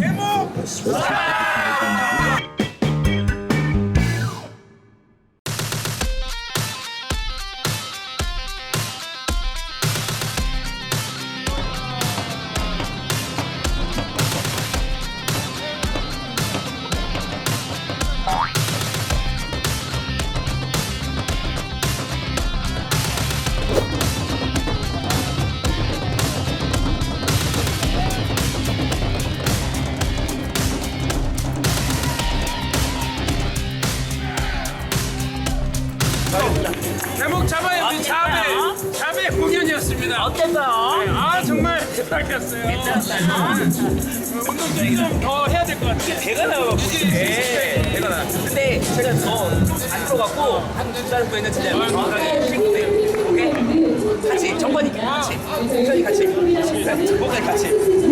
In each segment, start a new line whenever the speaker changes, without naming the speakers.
제목 잡아요. 우리 자배 공연이었습니다.
어땠어요?
네, 아 정말 대박이었어요. 운동 좀 더 해야 될 것 같아요.
배가 나와요. 배가 나. 근데 제가 더안 들어갔고 한 두 달 후에는 진짜 정확하게 쉴거예요. 오케이? 같이 정관이 같이 공전이 같이 정관이 같이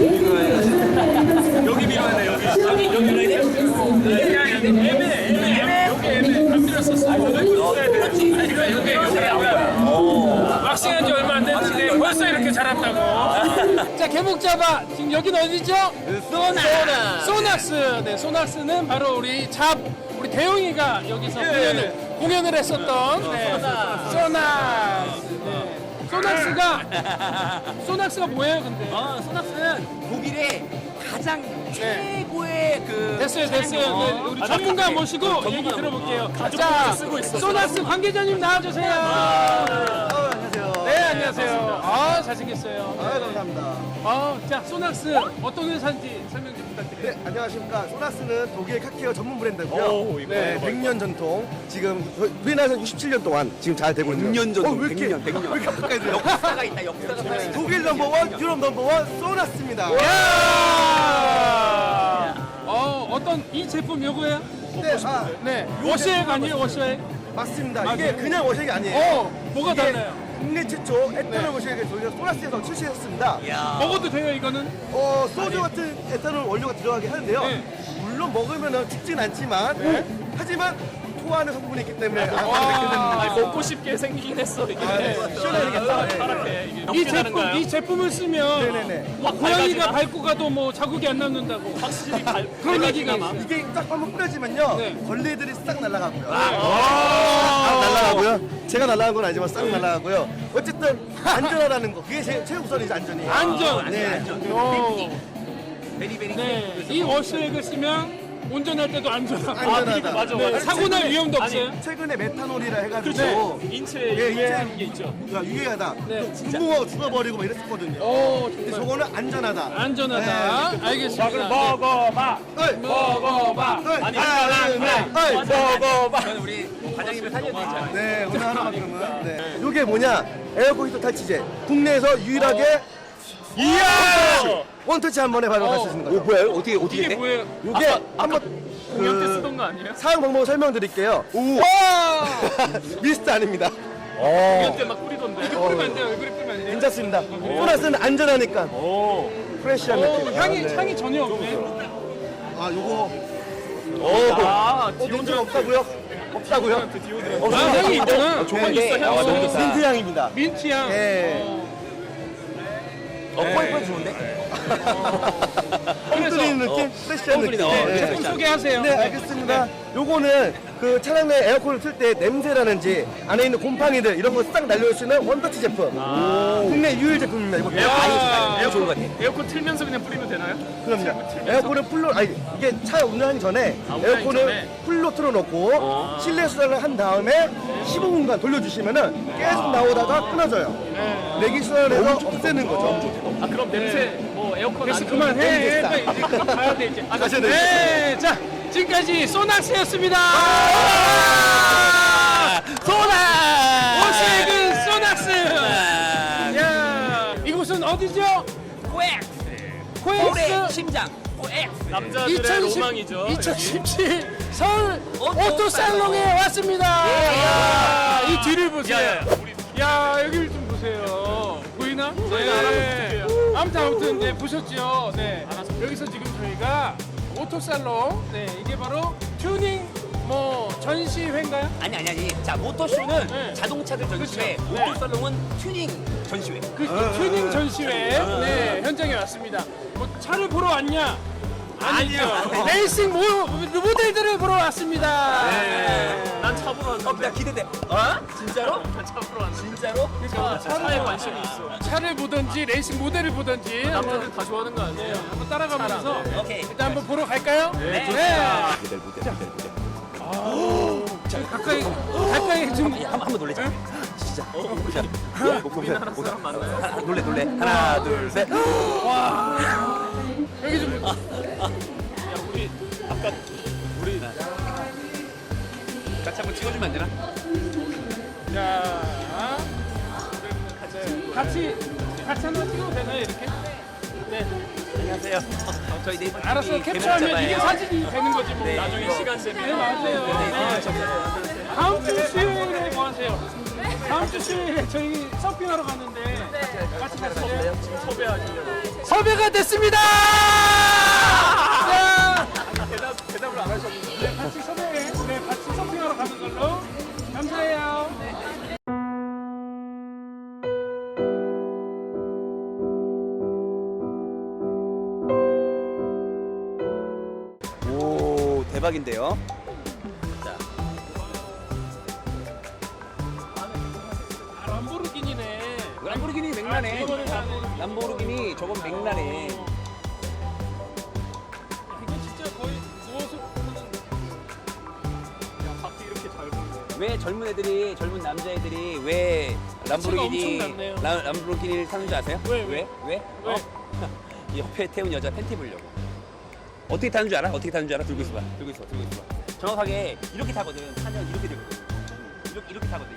여기 밀어야 돼. 여기 밀어야 돼.
애매. 여기 애매. 안 밀었었어. 여기 왁싱한 지 얼마 안 됐는데 벌써 이렇게 잘한다고. 자, 개목 잡아. 지금 여기는 어디죠? 소낙스. 네, 소낙스는 바로 우리 대용이가 여기서 공연을 했었던 소낙스. 소낙스가 뭐예요, 근데?
소낙스는 독일의 가장 최고의 그
됐어요. 네, 우리 전문가 모시고 얘기 들어볼게요. 자, 소낙스 관계자님 나와주세요.
안녕하세요.
네, 안녕하세요. 아, 잘생겼어요.
감사합니다.
자, 소낙스 어떤 회사인지 설명 좀 부탁드려요.
네, 안녕하십니까. 소나스는 독일 카케어 전문 브랜드고요. 네, 100년 전통. 지금 우리나라에서 67년 동안 지금 잘 되고 있는.
100년 전통,
왜 이렇게
100년.
왜 이렇게 가까이 들어요?
역사가 있다. 역사가 있다.
독일 넘버원, 유럽 넘버원 소나스입니다.
어떤 이 제품 요거예요?
네,
네. 워셔액 아니에요, 워셔액?
맞습니다. 이게 그냥 워셔액이 아니에요.
뭐가
이게
달라요?
국내 최초 에탄올 워셔액을 저희가 소나스에서 출시했습니다.
먹어도 돼요, 이거는?
소주 같은 에탄올 원료가 들어가게 하는데요.
네.
물론 먹으면 죽진 않지만, 하지만 토하는 성분이 있기 때문에 안 먹게 됩니다.
먹고 싶게 생기긴 했어 이게.
시원해야겠다.
이 제품을 쓰면
네네네.
고양이가 밟고 가도 뭐 자국이 안 남는다고.
확실히
그런 얘기가 있어요.
이게 딱 한번 뿌려지면요
네.
벌레들이 싹 날아가고요. 날아가고요. 제가 날아간 건 아니지만 싹 날아가고요. 어쨌든 안전하다는 거 그게 최우선이죠. 안전이.
안전.
네.
베리베리.
네. 이 워셔액을 쓰면 운전할 때도 안전하고.
안전하다.
맞아.
네, 사고 날 위험도 없어요.
최근에 메탄올이라 해가지고
그렇죠.
인체에
예,
유해하는 게 있죠.
유해하다.
네.
분봉하고 죽어버리고 막 이랬었거든요. 근데 저거는 안전하다.
안전하다. 알겠습니다.
먹어봐.
네.
먹어봐.
아니
먹어봐.
저는 우리 과장님을 살려드리잖아요.
네, 오늘 하나만큼은. 네. 이게 뭐냐? 에어컨 히터 탈취제. 국내에서 유일하게 원터치 한 번에 바로 할 수 있는 거죠.
뭐야? 어떻게
이게
돼?
뭐예요?
이게 한번
공연 때 쓰던 거 아니에요?
사용 방법을 설명드릴게요. 미스트 아닙니다.
공연 때 막 뿌리던데.
뿌리면 안 돼요. 얼굴에 뿌리면 안 돼요.
괜찮습니다. 소나스는 안전하니까. 프레시한 느낌.
향이 전혀 없네.
요거.
디오드란트.
없다고요? 없다고요?
향이 있잖아.
조금 있어. 향 너무 있어.
민트 향입니다.
민트향.
예.
뻔뻔 좋은데?
뻥뚫리는 느낌? 프레시한 느낌. 네.
제품 소개하세요.
네, 알겠습니다. 요거는 그 차량 내 에어컨을 틀 때 냄새라든지 안에 있는 곰팡이들 이런 거 싹 날려올 수 있는 원터치 제품. 국내 유일 제품입니다. 이거
좋은 것 같아.
에어컨 틀면서 그냥 뿌리면 되나요?
그럼요. 에어컨을 풀로 이게 차 운전하기 전에 에어컨을
전에?
풀로 틀어놓고 실내 수단을 한 다음에 15분간 돌려주시면은 계속 나오다가 끊어져요. 내기 수단에서 없애는 거죠.
아 그럼 냄새 뭐 에어컨
그래서
안
그만해. 이제 가야 돼 이제.
가셔야 돼요.
네, 자 지금까지 소낙스였습니다. 워셔액은 소낙스. 야, 이곳은 어디죠?
올해
코엑스
심장.
남자들의 로망이죠.
2017 서울 오토살롱에 왔습니다. 야, 이 뒤를 보세요. 야, 여기를 좀 보세요. 보이나? 네. 아무튼 네, 보셨죠? 네. 여기서 지금 저희가 오토살롱, 네, 이게 바로 튜닝 뭐 전시회인가요?
아니. 자 모터쇼는
네.
자동차들 전시회,
그렇죠.
오토살롱은 튜닝 전시회.
그 튜닝 전시회 네, 현장에 왔습니다. 뭐 차를 보러 왔냐? 아니죠. 레이싱 모델들을 보러 왔습니다.
난 차 보러 왔는데.
나 기대돼. 진짜로?
차 보러 왔는데.
진짜로?
차에 관심이 있어.
차를 보든지 레이싱 모델을 보든지 한번
남자들 다 좋아하는 거 아니에요?
한번 따라가면서
오케이.
일단 한번 보러 갈까요? 네. 가까이 좀
한번 놀래자. 진짜.
우리나라 사람 맞나요?
놀래. 하나, 둘, 셋.
여기 좀
우리
같이 한번 찍어주면 안 되나?
자, 같이 한번 찍어도 되나요 이렇게? 네.
안녕하세요. 저희 네이버
알았어
TV
캡처하면 이게
개봉자잖아요.
사진이 되는 거지 뭐.
네.
나중에 시간
네
되면
맞아요. 네. 다음 주 수요일에 뭐 하세요? 다음 주 수요일에 저희 서핑하러 갔는데 같이 가세요.
섭외하시려고.
섭외가 됐습니다. 자,
대답을 안 하셨는데.
네, 같이 같이 서핑하러 가는 걸로. 감사해요.
오, 대박인데요.
람보르기니네.
람보르기니 맥라네.
이거를 나는
람보르기니 저건 맥라네.
이거 진짜 거의 누워서 보는.
밖에 이렇게 잘 보이네.
왜 젊은 남자애들이 왜 람보르기니
엄청 낮네요.
람보르기니를 타는 줄 아세요?
왜?
왜?
왜?
이 옆에 태운 여자 팬티 보려고. 어떻게 타는 줄 알아? 어떻게 타는 줄 알아? 들고 있어봐. 정확하게 이렇게 타거든. 타면 이렇게 되거든. 이렇게 타거든.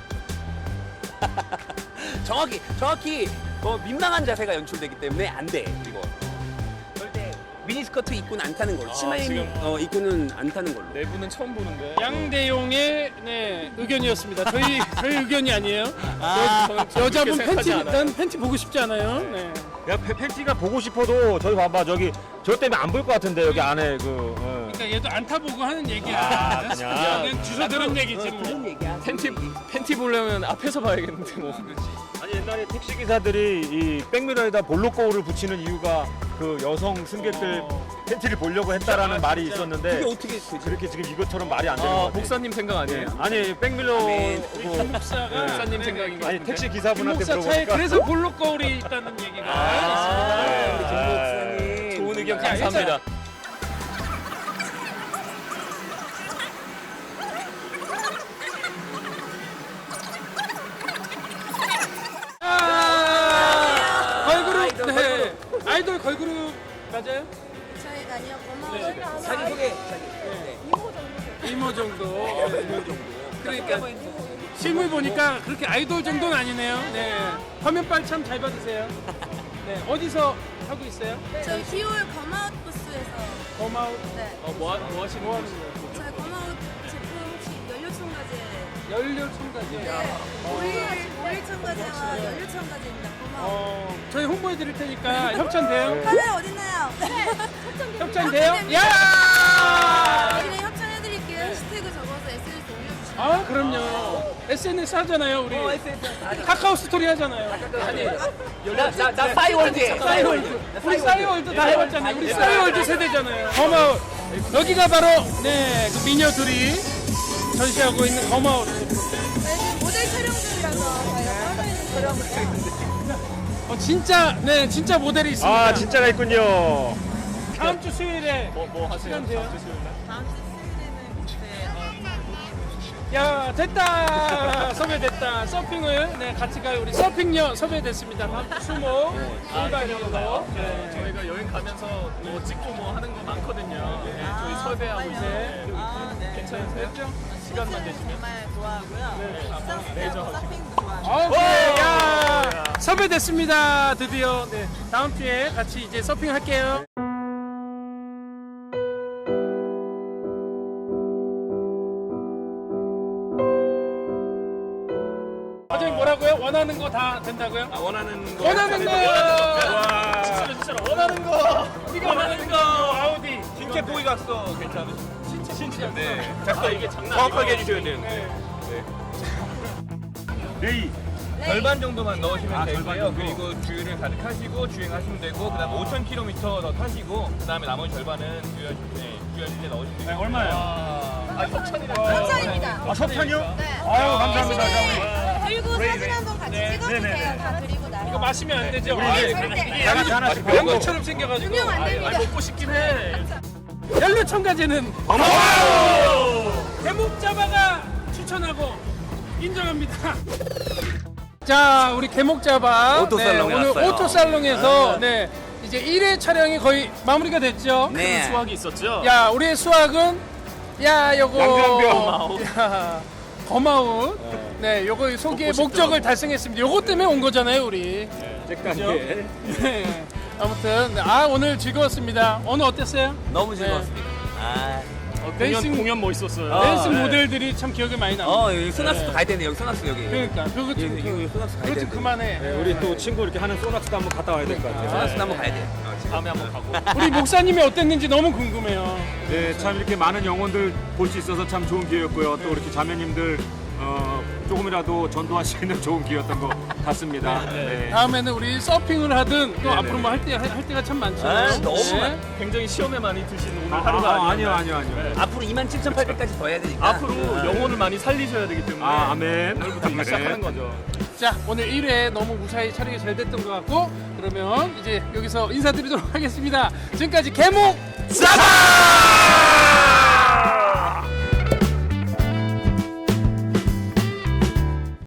이렇게. 정확히 민망한 자세가 연출되기 때문에 안 돼. 이거. 절대 미니스커트 입고는 안 타는 걸로. 치마
지금.
입고는 안 타는 걸로.
내부는 처음 보는데.
양대용의 의견이었습니다. 저희 의견이 아니에요.
저는
여자분
그렇게
팬티
생각하지 않아요.
난 팬티 보고 싶지 않아요. 네.
야 팬티가 보고 싶어도 저기 봐봐 저기 저 때문에 안 볼 것 같은데 여기 안에
그러니까 얘도 안 타보고 하는 얘기야.
아, 그냥.
주워 들은 얘기지 뭐.
그런 얘기야.
팬티 보려면 앞에서 봐야겠는데 뭐.
아니 옛날에 택시 기사들이 이 백미러에다 볼록 거울을 붙이는 이유가 그 여성 승객들 팬티를 보려고 했다라는 말이 있었는데
그게 어떻게 되지?
그렇게 지금 이것처럼 말이 안 되는 것
아,
같아요.
목사님 생각 아니에요?
아니 백미러
아멘.
목사가
목사님 생각인 거
아니
같은데.
택시 기사분한테
목사 차에
물어보니까
그래서 볼록 거울이 있다는 얘기가.
우리 김 목사님.
좋은 의견
야,
감사합니다.
걸그룹 네. 아이돌 걸그룹 맞아요?
저희가 아니요 고마워요.
자기 소개.
이모 정도. 그러니까 실물 보니까 그렇게 아이돌 정도는 아니네요. 네. 화면빨 참 잘 받으세요. 네. 어디서 하고 있어요?
저희 기호의 검아웃 부스에서
고마워.
네.
뭐 하시는
뭐
거예요?
하는 거예요?
저희 검아웃 제품 혹시 연료 첨가제
연료 첨가제.
오일 첨가제와 연료 첨가제입니다. 고마워.
저희 홍보해 드릴 테니까 협찬돼요?
카메라 어딨나요?
협찬돼요? 야!
여기는 협찬해드릴게요. 해시태그 적어서 SNS 올려주시면
아, 그럼요. SNS 하잖아요, 우리. 카카오 스토리 하잖아요.
나 싸이월드에.
싸이월드. 우리 싸이월드 다 해봤잖아요. 우리 싸이월드 세대잖아요. 고마워. 여기가 바로 네, 그 미녀 둘이 전시하고 있는 고마워.
저희 지금 모델 촬영 중이라서 저희가 떨고 있는 촬영
진짜 모델이 있습니다.
아 진짜가 있군요.
다음 주 수요일에
뭐 하세요?
시간 돼요?
다음 주 수요일 날?
다음 주 수요일에는
야, 됐다. 섭외됐다. 서핑을 네, 같이 갈 우리 서핑녀 섭외됐습니다. 다음 주 수목 출발이고. 네.
저희가 여행 가면서 뭐 찍고 뭐 하는 거 많거든요. 네, 저희 섭외하고 있어요. 괜찮으세요? 시간만 되시면.
정말 좋아하고요.
레이저
서핑도 좋아하고.
아, 네, 야, 섭외됐습니다. 드디어. 네, 다음 주에 같이 이제 서핑할게요. 과장님 뭐라고요? 원하는 거 다 된다고요?
원하는 거.
원하는 거!
와. 진짜로 원하는 거.
우리가 원하는 거 아우디.
신체 보이 갔어. 괜찮으세요? 신체. 네. 작가 이게 장난. 정확하게 해주셔야 되는데.
레이
절반 정도만 넣으시면 되고요. 그리고 주유를 가득하시고 주행하시면 되고 그다음 5,000km 더 타시고 그다음에 나머지 절반은 주유하실 때 넣으시면 돼요. 얼마예요?
협찬입니다.
아, 석탄이요?
네.
아유, 감사합니다.
들고 사진 한번 같이 찍어주세요. 다 드리고 나서.
이거 마시면 안 되죠?
네, 절대.
양주 하나씩
병거처럼 생겨가지고.
유명 안 됩니다.
먹고 싶긴 해.
연료 첨가제는 개목자바가 추천하고 인정합니다. 자, 우리 개목자바
오토살롱에
오늘
왔어요.
오토살롱에서 네, 이제 1회 촬영이 거의 마무리가 됐죠.
네.
수확이 있었죠?
야, 우리의 수학은 요거
양변병.
야, 거마운. 네, 요거 소개의 목적을 달성했습니다. 요거 때문에 온 거잖아요, 우리.
잭단계.
네. 아무튼 오늘 즐거웠습니다. 오늘 어땠어요?
너무 즐거웠습니다. 아,
공연
멋있었어요.
댄스
네.
모델들이 참 기억에 많이 남아요.
여기 소낙스도 가야 되는데 여기 소낙스 여기.
그러니까 그거 좀
여기 소낙스 가야
그거 좀
되는데.
그만해.
네, 우리 또 친구 이렇게 하는 소낙스도 한번 갔다 와야 될 것 같아요.
소낙스도 한번 가야 돼.
다음에 한번 가고.
우리 목사님이 어땠는지 너무 궁금해요.
네, 참 이렇게 많은 영혼들 볼 수 있어서 참 좋은 기회였고요. 또 이렇게 자매님들 조금이라도 전도할 수 있는 좋은 기회였던 것 같습니다. 네.
다음에는 우리 서핑을 하든 또
네네.
앞으로 뭐 할 때가 참 많잖아요.
아, 너무 많아.
굉장히 시험에 많이 드신 오늘 하루가
아니요.
앞으로 27,800까지 더 해야 되니까.
앞으로 영혼을 많이 살리셔야 되기 때문에
아멘.
오늘부터 이제 시작하는 거죠.
자, 오늘 1회 너무 무사히 촬영이 잘 됐던 것 같고 그러면 이제 여기서 인사드리도록 하겠습니다. 지금까지 개목
싸바!